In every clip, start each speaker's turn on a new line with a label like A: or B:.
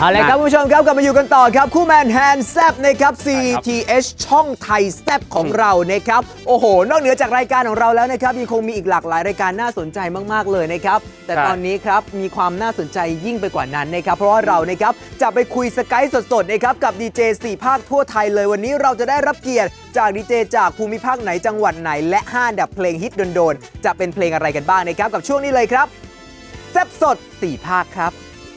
A: เอาละครับคุณผู้ชมครับกลับมาอยู่กันต่อครับคู่แมนแฮนด์แซบนะครับ CTH ช่องไทยแซบของเรานะครับโอ้โหนอกเหนือจากรายการของเราแล้วนะครับยังคงมีอีกหลากหลายรายการน่าสนใจมากๆเลยนะครับแต่ตอนนี้ครับมีความน่าสนใจยิ่งไปกว่านั้นนะครับเพราะว่าเรานะครับจะไปคุยสกายสดๆนะครับกับดีเจ4ภาคทั่วไทยเลยวันนี้เราจะได้รับเกียรติจากดีเจจากภูมิภาคไหนจังหวัดไหนและ5อันดับเพลงฮิตโดนๆจะเป็นเพลงอะไรกันบ้างนะครับกับช่วงนี้เลยครับแซบสด4ภาคครับ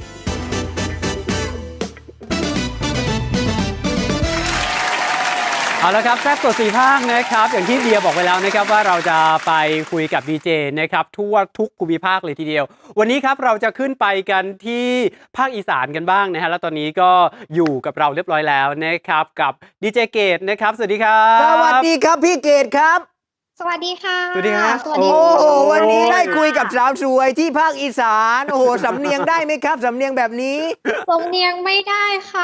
B: เอาละครับแซ่บตัวสี่ภาคนะครับอย่างที่เดียบอกไว้แล้วนะครับว่าเราจะไปคุยกับดีเจนะครับทั่วทุกภูมิภาคเลยทีเดียววันนี้ครับเราจะขึ้นไปกันที่ภาคอีสานกันบ้างนะฮะแล้วตอนนี้ก็อยู่กับเราเรียบร้อยแล้วนะครับกับดีเจเกตนะครับสวัสดีครับ
A: สวัสดีครับพี่เกตครับ
C: สวัสดีค่ะ
B: สวัสดีครับ
C: สวัสดี
A: โอ้โหวันนี้ได้คุยกับสาวสวยที่ภาคอีสานโอ้โหสำเนียงได้ไหมครับสำเนียงแบบนี้
C: สำเนียงไม่ได้ค่ะ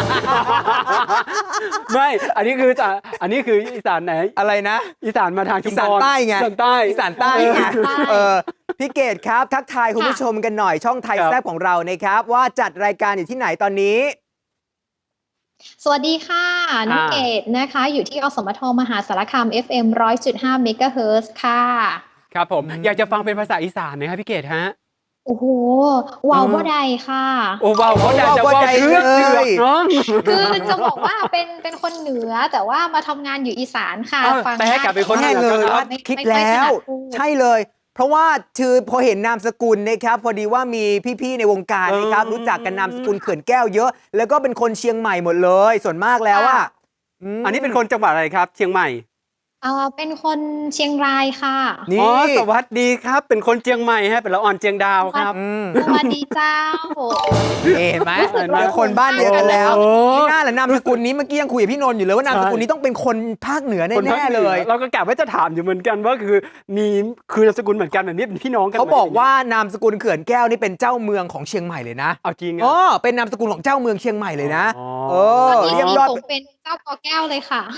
B: ไม่อันนี้คืออีสานไหน
A: อะไรนะ
B: อีสานมาทางชุ
A: อี
B: ม
A: สาน
B: พร
A: ใต้ไง
B: อีสานใต้
A: อีสานใต้ไงพี่เกตครับทักทายคุณผู้ชมกันหน่อยช่องไทย
B: ครับ
A: แซ่บของเรานะครับว่าจัดรายการอยู่ที่ไหนตอนนี้
C: สวัสดีค่ะน้องเกดนะคะอยู่ที่อสมทมหาสารคาม FM 100.5 เมกะเฮิรตซ์ค่ะ
B: ครับผมอยากจะฟังเป็นภาษาอีสานนะครับพี่เกตฮะ
C: โอ้โหว้าวบ่ได้ค่ะ
B: โอ้ว้าวเขาอยากจะว่าเชือกเนาะ
C: คือจะบอกว่าเป็นคนเหนือแต่ว่ามาทำงานอยู่อีสานค่ะ
B: อ้าว
C: ฟัง
B: แต่ให้กลับไปคนเหนื
A: แน่
B: อ
A: เลยว่า
C: ไม่
A: คิด
C: ไม่
A: แล้
C: ไม่ถ
A: ว
C: นัดพูด
A: ใช่เลย เพราะว่าคือพอเห็นนามสกุลนะครับพอดีว่ามีพี่ๆในวงการนะครับรู้จักกันนามสกุลเขื่อนแก้วเยอะ แล้วก็เป็นคนเชียงใหม่หมดเลยส่วนมากแล้วอ่ะ
B: อันนี้เป็นคนจังหวัดอะไรครับเชียงใหม่
C: เป็นคนเชียงรายค่ะ
A: นี่
B: อ๋อสวัสดีครับเป็นคนเชียงใหม่ฮะเป็นละอ่อนเชียงดาวครับ
C: สวัสดีเจ้า
A: เห็นไหมเป็นคนบ้านเดียวกันแล้ว
B: โอ้
A: ไม่น่าแหละนามสกุลนี้เมื่อกี้ยังคุยกับพี่นนท์อยู่เลยว่านามสกุลนี้ต้องเป็นคนภาคเหนือ
B: คนภา
A: แน่
B: ค
A: ๆ
B: ห
A: เล
B: นือย เราก็กะว่าจะถามอยู่เหมือนกันว่าคือนามสกุลเหมือนกันแบบนี้เป็นพี่น้องกัน
A: เขาบอกว่านามสกุลเขื่อนแก้วนี่เป็นเจ้าเมืองของเชียงใหม่เลยนะ
B: เอาจริง
A: อ๋อ
B: อ่ะ
A: เป็นนามสกุลของเจ้าเมืองเชียงใหม่เลยนะ
B: อ๋อ
A: เอ
C: ต
A: อ
C: อนนี้
A: เรียกยอด
C: ผมเป็นเจ้ากอแก้วเลยค่ะ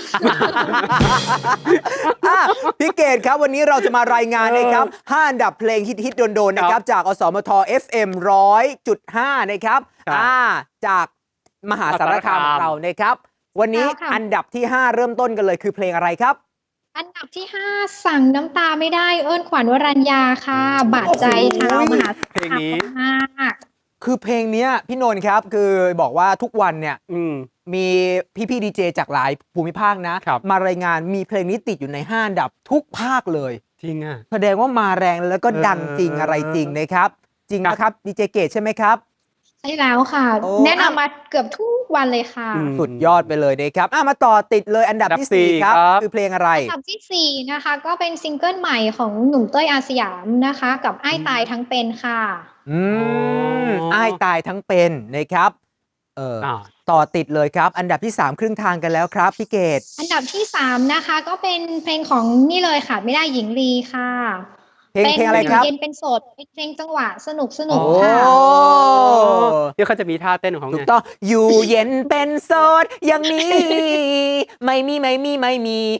A: อ่ะพี่เกดครับวันนี้เราจะมารายงานนะครับ5อันดับเพลงฮิตๆโดนๆนะครับจากอสมท FM 100.5นะครับจากมหาสารคามของเรานะครับวันนี้
C: แล้วค่ะ
A: อันดับที่ 5 เริ่มต้นกันเลยคือเพลงอะไรครับ
C: อันดับที่ 5 สั่งน้ำตาไม่ได้เอิ้นขวัญวรัญญาค่ะ บาดใจชาวมหาสาร
B: เพลง
C: คาม
B: นี้
C: มาก
A: คือเพลงเนี้ยพี่นนท์ครับคือบอกว่าทุกวันเนี่ย
B: ม
A: มีพี่ดีเจจากหลายภูมิภาคนะครับ มารายงานมีเพลงนี้ติดอยู่ใน5อันดับทุกภาคเลย
B: จริงอ่ะ
A: แสดงว่ามาแรงแล้วก็ดังจริงอะไรจริงนะครับ จริงนะครับดีเจเกตใช่ไหมครับ
C: ใช่แล้วค่ะ
A: โอ้
C: แนะนำมาเกือบทุกวันเลยค่ะ
A: สุดยอดไปเลยนะครับมาต่อติดเลยอันดับที่ 4 ครับ คือเพลงอะไร
C: อันดับที่ 4 นะคะ ก็เป็นซิงเกิลใหม่ของหนุ่มเต้ยอาสยามนะคะ กับไอ้ตายทั้งเป็นค่ะ
A: อ้ายตายทั้งเป็นนะครับต่อติดเลยครับ อันดับที่ 3 ครึ่งทางกันแล้วครับพี่เกต
C: อันดับที่ 3 นะคะ ก็เป็นเพลงของนี่เลยค่ะ ไม่ได้หญิงลีค่ะ
A: เพลงอะไรครับ
C: เย็นเป็นโสดเป็นเพลงจังหวะสนุก
A: โอ้
C: ค่ะ
B: เดี๋ยวเขาจะมีท่าเต้นของเขา
A: ถูก
B: ไง
A: ต้องอยู่เย็นเป็นโสดอย่างนี้ ไม่มีอะไร
B: ไม่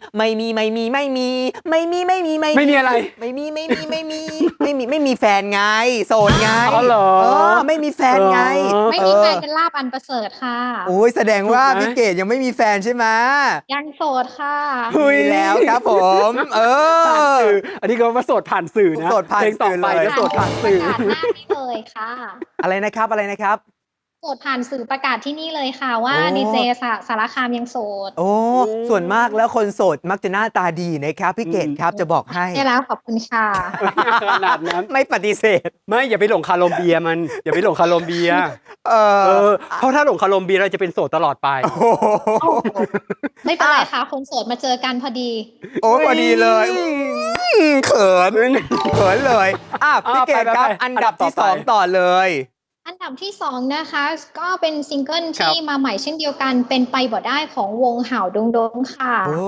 A: มีแฟนไงโสดไง
B: อ๋อเหรอ
A: ไม่มีแฟนไง
C: ไม่มีแฟนเป็นลาบอันประเสริฐค่ะ
A: โอ้ยแสดงว่า
B: ถูกไหม
A: พี่เกดยังไม่มีแฟนใช่ไหม
C: ยังโสดค่ะ
A: มีแล้วครับผม
B: อันนี้ก็มาโสดผ่านสื่อนะ
A: โสดผ่าน
B: เพลงต่อไป
A: สื่อเลย
B: ก็โสดผ่านสื่อ
C: ประกาศหน้านี่เลยค่ะ
A: อะไรนะครับ
C: โสดผ่านสื่อประกาศที่นี่เลยค่ะว่า
A: โอ้
C: ดีเจสารคามยังโสด
A: โอ้ส่วนมากแล้วคนโสดมักจะหน้าตาดีนะครับพี่เกดครับจะบอกให้
C: ได้แล้วขอบคุณค่ะ
B: ขนาดนั้น
A: ไม่ปฏิเสธ
B: ไม่อย่าไปหลงคาโลมเบียมัน อย่าไปหลงคาโลมเบียเพราะถ้าหลงคาโลมเบียเราจะเป็นโสดตลอดไป
A: โอ้โห
C: ไม่เป็นไรค่ะ คนโสดมาเจอกันพอดี
A: โอ้พอดีเลยเขินเลยพี่เกดครับ
B: ไป
A: อันดับที่
B: ต่อไป
A: 2 ต่อเลย
C: อันดับที่ 2 นะคะ ก็เป็นซิงเกิล
B: ครับ
C: ที่มาใหม่เช่นเดียวกันเป็นไปบ่ได้ของวงห่าวดงดงค่ะ
A: โอ้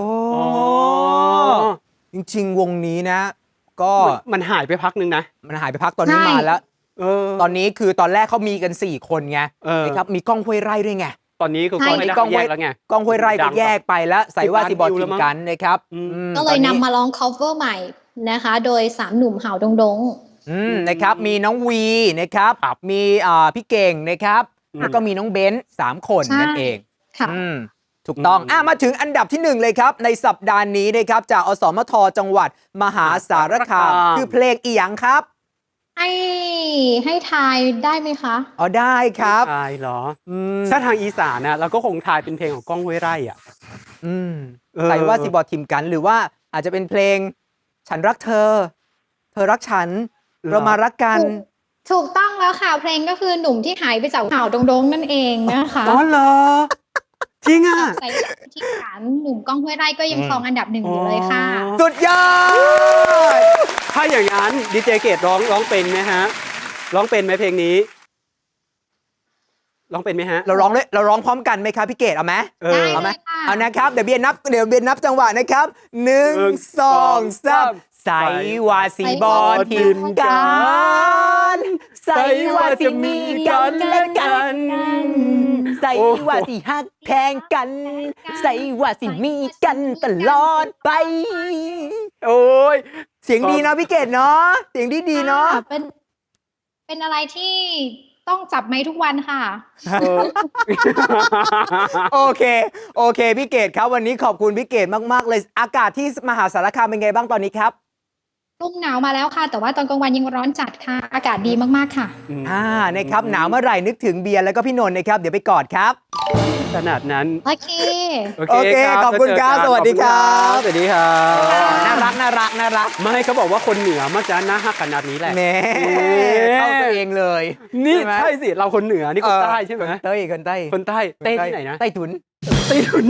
A: จริงๆ วงนี้นะ ก็
B: มันหายไปพักนึงนะ
A: มันหายไปพักตอนนี้
C: ใช่
A: มาแล้ว ตอน
B: น
A: นี้คือตอนแรกเขามีกัน 4 คนไง
B: นี้
A: นะครับมีก้องห้วยไร่ด้วยไง
B: ตอนนี้คือ
C: ใช่
B: คนไม่ได้
A: กล้อง
B: แยกแล้วไง
A: ก้องห้วยไร่
B: ดั
A: ก็
B: ง
A: แยกไปแล้วใส่ว่า
B: 10
A: สิบอล
B: ล้านวิวแล้
A: ทิ
B: ว
A: ม
B: มั้ง
A: กันนะครับ
C: ก็เลยนำมาร้อง cover ใหม่นะคะ โดย 3 หนุ่มห่าวดงดง
A: นะครับมีน้องวีนะครับมีพี่เก่งนะครับแล้วก็มีน้องเบนซ์3 คน
C: ใช่
A: นั่นเอง
C: ค่ะ
A: ถูกต้องมาถึงอันดับที่ 1 เลยครับ ในสัปดาห์นี้นะครับจากอสมทจังหวัดมหาสารคาม คือเพลงอีหยังครับ
C: ให้ทายได้ไหมคะ
A: อ๋อได้ครับ
B: ใช่เหรอ
A: อืม
B: ถ้าทางอีสานนะเราก็คงทายเป็นเพลงของก้องห้วยไร่อ่ะ
A: อืม
B: เออ
A: ใส่ว่าสิบอทิมกัน หรือว่าอาจจะเป็นเพลงฉันรักเธอ เธอรักฉัน เรามารักกัน
C: ถูกต้องแล้วค่ะ เพลงก็คือหนุ่มที่หายไปจากข่าวโดงๆนั่นเองนะคะ
B: อ๋อเหรอ จริงอ่ะ
C: ใส่ที่ฐานหนุ่มก้องห้วยไร่ก็ยังครองอันดับ 1อยู่เลยค่ะ
A: สุดยอด
B: ถ้าอย่างนั้นดีเจเกตร้องเป็นไหมฮะ ร้องเป็นไหมเพลงนี้ ร้องเป็นไหมฮะ
A: เราร้องพร้อมกันไหมครับพี่เกดเอาไหม
B: เออ
C: ได้
A: เอาไหม
C: เลยค่ะ
A: เอานะครับเดี๋ยวเบียร์นับจังหวะนะครับ1 2 3ใส่ว่าสีบอทิมกันใส่ว่าจะมีกันและกันใส่ว่าสิฮักแพงกันใส่ว่าสิมีกันตลอดไป
B: โอ้ย
A: เสียงดีนะพี่เกดเนาะเสียงดีเนาะ
C: ค่ะเป็นอะไรที่ต้องจับไม้ทุกวันค่ะ
B: เออ
A: โอเคพี่เกดครับวันนี้ขอบคุณพี่เกดมากๆเลยอากาศที่มหาสารคามเป็นไงบ้างตอนนี้ครับ
C: รุ่มหนาวมาแล้วค่ะ แต่ว่าตอนกลางวันยังร้อนจัดค่ะ อากาศดีมากๆค่ะ
A: นะครับหนาวเมื่อไหร่นึกถึงเบียร์แล้วก็พี่นนท์นะครับเดี๋ยวไปกอดครับ
B: ขนาดนั้น
C: โอเค
A: โอเคขอบคุณครับสวัสดีครับ
B: สวัสดีครับ
A: น่ารัก
B: ไม่เขาบอกว่าคนเหนือมักจะน่าฮักขนาดนี้แหละ
A: แหมเข้าตัวเองเลย
B: นี่
A: ใช่ไหม
B: ใช่สิ เราคนเหนือ นี่คนใต้ใช่ไหม
A: คนใต้
B: คนใต้เต้ที่ไหนนะ
A: ใต้ถุน
B: ใต้ถุน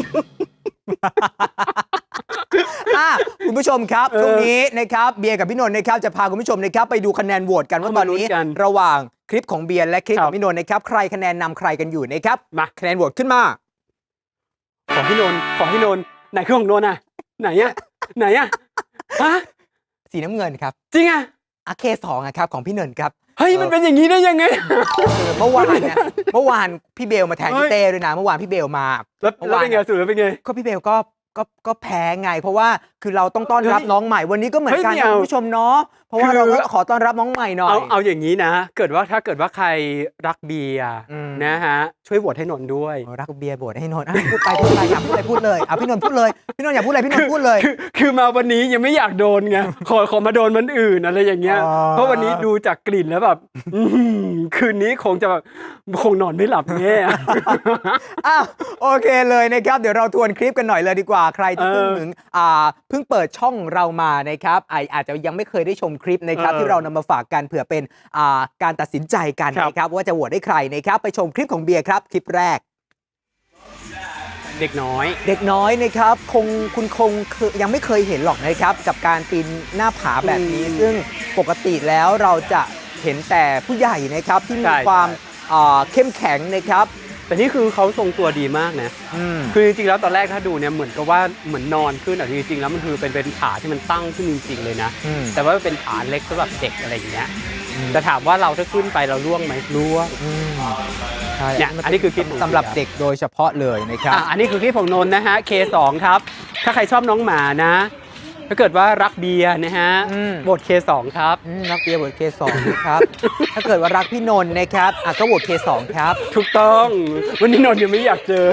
A: คุณผู้ชมครับ
B: เออ
A: ช่วงนี้นะครับเบียร์กับพี่นนท์นะครับจะพาคุณผู้ชมนะครับไปดูคะแนนโหวตกันว่าตอนนี้
B: เอามาลุ้นกัน
A: ระหว่างคลิปของเบียร์และคลิป
B: ครั
A: ข
B: บ
A: องพี่นนท์นะครับใครคะแนนนำใครกันอยู่นะครับ
B: มา
A: คะแนนโหวตขึ้นมา
B: ขอพี่นนท์ไหนคือของนนท์อ่ะ ไหนอ่ะฮะ
A: สีน้ำเงินครับ
B: จริงอ่ะ
A: อาเค2ครับของพี่นนท์ครับ
B: เฮ้ยมันเป็นอย่างนี้ได้ยังไง
A: เมื่อวานพี่เบลมาแทน
B: เฮ้
A: พี่
B: ย
A: เต้ด้วยนะเมื่อวานพี่เบลมา
B: แล้วเป็นไงสุดแล้วเป็นไง
A: ก็พี่เบลก็แพ้ไง เพราะว่าคือเราต้องต้อนรับ
B: เฮ้ย
A: น้องใหม่วันนี้ก็เหมือนกัน
B: เฮ้ยไม่
A: นะ
B: เอา
A: คุณผู้ชมเนาะเพราะว่า
B: คือ
A: เราก็ขอต้อนรับน้องใหม่หน่อย
B: เอาอย่างนี้นะ ถ้าเกิดว่าใครรักเบียร์
A: อืม
B: นะฮะ ช่วยโหวตให้นนท์ด้วย
A: โอ้รักเบียร์บดให้นนท์พูดไปอยากพูดอะไรพูดเลยเอาพี่นนท์พูดเลยพี่นนท์อยากพูดอะไรพี่นนท์พูดเลย
B: คือมาวันนี้ยังไม่อยากโดนไง ขอมาโดนมันอื่นอะไรอย่างเงี้ย
A: อ๋อ
B: เพราะวันนี้ดูจากกลิ่นแล้วแบบ คืนนี้คงนอนไม่หลับแน่
A: อ้าวโอเคเลยนะครับเดี๋ยวเราทวนคลิปกันหน่อยเลยดีกว่าใครที่เพิ่งเปิดช่องเรามานะครับอาจจะยังไม่เคยได้ชมคลิปนะครับที่เรานำมาฝากกันเผื่อเป็นการตัดสินใจกัน
B: ครับ
A: นะครับว่าจะโหวตให้ใครนะครับไปชมคลิปของเบียร์ครับคลิปแรก
B: เด็กน้อย
A: เด็กน้อยนะครับคุณคงยังไม่เคยเห็นหรอกนะครับกับการปีนหน้าผาแบบนี้ ซึ่งปกติแล้วเราจะเห็นแต่ผู้ใหญ่นะครับที่มี
B: ใช่
A: ความเข้มแข็งนะครับ
B: แต่นี่คือเขาทรงตัวดีมากนะ
A: อืม
B: คือจริงๆแล้วตอนแรกถ้าดูเนี่ยเหมือนกับว่าเหมือนนอนขึ้นแต่จริงๆแล้วมันคือเป็นผาที่มันตั้งขึ้นจริงๆเลยนะ
A: อืม
B: แต่ว่าเป็นผาเล็กสำหรับเด็กอะไรอย่างเงี้ยแต่ถามว่าเราถ้าขึ้นไปเราล่วงไหมล่วง
A: ใช่
B: เนี่ยอันนี้คือคลิปของ
A: สำหรับเด็กโดยเฉพาะเลยนะครับ
B: อันนี้คือคลิปของนนท์นะฮะ K2 ครับ ถ้าใครชอบน้องหมานะ ถ้าเกิดว่ารักเบียร์นะฮะ
A: อืม
B: โหวต K2 ครับ
A: รักเบียร์โหวต K2 นะครับ ถ้าเกิดว่ารักพี่นนท์นะครับก็โหวต K2 ครับ
B: ถูกต้อง วันนี้นนท์ยังไม่อยากเจอ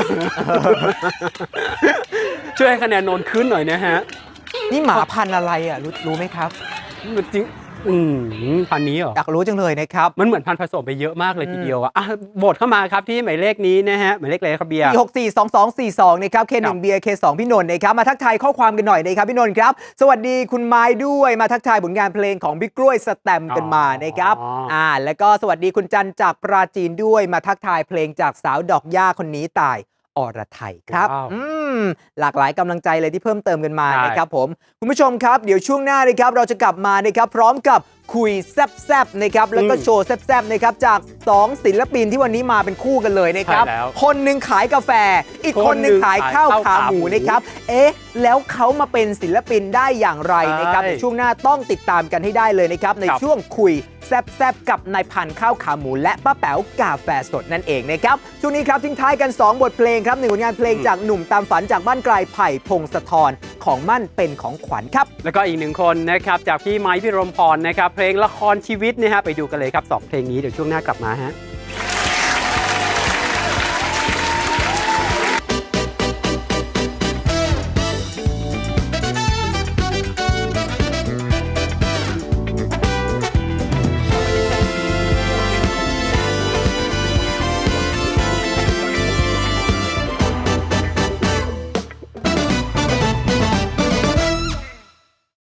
B: ช่วยให้คะแนนนนท์ขึ้นหน่อยนะฮะ
A: นี่หมาพันธุ์อะไรอ่ะรู้ไหมครับ
B: จริงพันนี้เหรอ
A: อยากรู้จังเลยนะครับ
B: มันเหมือนพันธุ์ผสมไปเยอะมากเลยทีเดียวอะโหวตเข้ามาครับที่หมายเลขนี้นะฮะหมายเลขอะไรครับเบียร์
A: 4642242นะครับ K1 เบียร์ K2 พี่นนท์นะครับมาทักทายข้อความกันหน่อยนะครับพี่นนท์ครับสวัสดีคุณไม้ด้วยมาทักทายผลงานเพลงของบิ๊กกล้วยสแตมป์กันมานะครับแล้วก็สวัสดีคุณจันจากปราจีนด้วยมาทักทายเพลงจากสาวดอกหญ้าคนนี้ตายอรไทยครับ
B: ว้าว
A: หลากหลายกำลังใจเลยที่เพิ่มเติมกันมา
B: ใช่
A: นะครับผมคุณผู้ชมครับเดี๋ยวช่วงหน้านะครับเราจะกลับมานะครับพร้อมกับคุยแซบๆนะครับแล้วก็โชว์แซบๆนะครับจาก2ศิลปินที่วันนี้มาเป็นคู่กันเลยนะครับ
B: ใช่แล้ว
A: คนหนึ่งขายกาแฟ อีกคนหนึ่งขายข้าวขาหมูนะครับแล้วเขามาเป็นศิลปินได้อย่างไรนะครับ
B: ใช่
A: ในช่วงหน้าต้องติดตามกันให้ได้เลยนะครับใน
B: ครับ
A: ช่วงคุยแซบๆกับนายพันธุ์ข้าวขาหมูและป้าแป๋วกาแฟสดนั่นเองนะครับช่วงนี้ครับทิ้งท้ายกัน 2 บทเพลงครับหนึ่งผลงานเพลงจากหนุ่มตามฝันจากบ้านไกลไผ่พงศธรของมั่นเป็นของขวัญครับ
B: แล้วก็อีกหนึ่งคนนะครับจากพี่ไม้พี่รมพรนะครับเพลงละครชีวิตนะฮะไปดูกันเลยครับ2เพลงนี้เดี๋ยวช่วงหน้ากลับมาฮะ